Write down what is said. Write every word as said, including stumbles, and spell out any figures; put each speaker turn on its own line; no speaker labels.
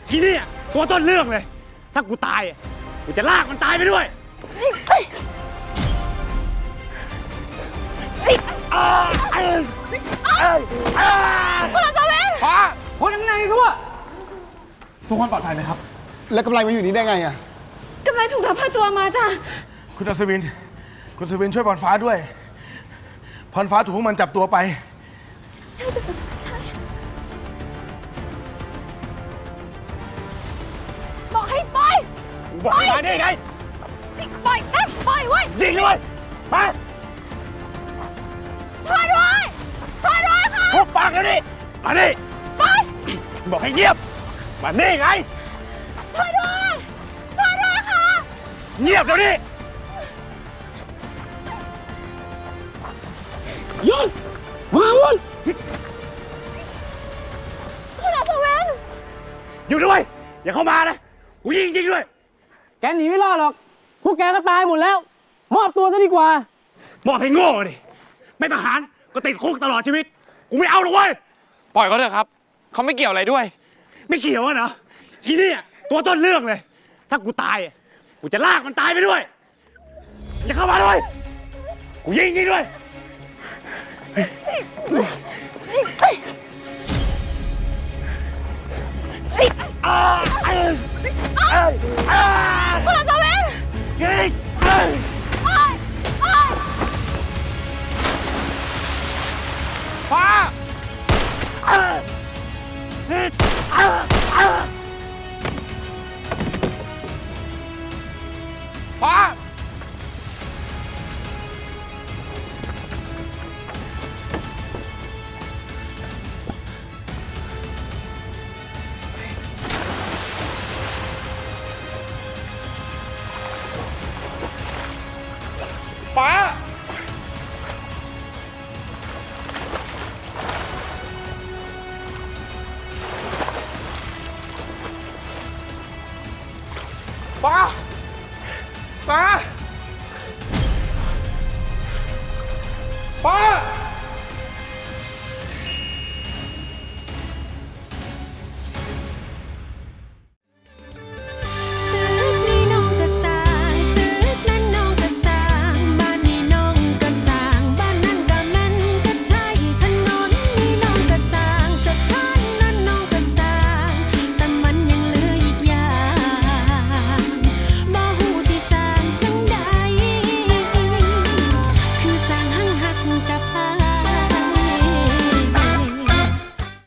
ทีนี่ตัวต้นเรื่องเลยถ้ากูตายกูจะลากมันตายไปด้วย
คุณอัศวิน
ฟ้าคนยังไงทั่วทุกคนปลอดภัยไหมครับ
แล้วกำไรมาอยู่นี่ได้ไงอะ
กำไรถูกลักพาตัวมาจ้ะ
คุณอัศวินคุณอัศวินช่วยพรฟ้าด้วยพรฟ้าถูกพวกมันจับตัวไป
ใช่จ้ะใช่บอกให้ปล่อย
กูบอกให้มานี่ไง
ปล่อยนะปล่อยไว้
ยิงเลยมา
ช่วยด้วยช่วยด้วยค่ะ
ทุบปากแล้วนี่มานี่
ปล่อย
บอกให้เงียบมานี่ไง
ช่วยด้วยช่วยด้วยค่ะ
เงียบเดี๋ยวนี้หยุดมาวุ้น
คุณอัศวิน
อยู่ด้วยอย่าเข้ามานะกูยิงจริงด้วยแกหนีไม่รอดหรอกพวกแกก็ตายหมดแล้วมอบตัวซะดีกว่ามอบให้โง่ดิไม่ประหารก็ติดคุกตลอดชีวิตกูไม่เอาหรอกเว้ย
ปล่อยเขาเถอะครับเขาไม่เกี่ยวอะไรด้วย
ไม่เกี่ยวอะเนาะอีนี่ตัวต้นเรื่องเลยถ้ากูตายกูจะลากมันตายไปด้วยอย่าเข้ามาด้วยกูยิงจริงด้วยอ่าเอ้ยเอ้ยอ่า
คุณอัศวิน
ยิงเอ้ย
ปล่อยปล่อย
ฟ้า
เอ้ยเอ้ยเอ้ยเอ้ย
ฟ้า ฟ้า ฟ้า ฟ้า ฟ้า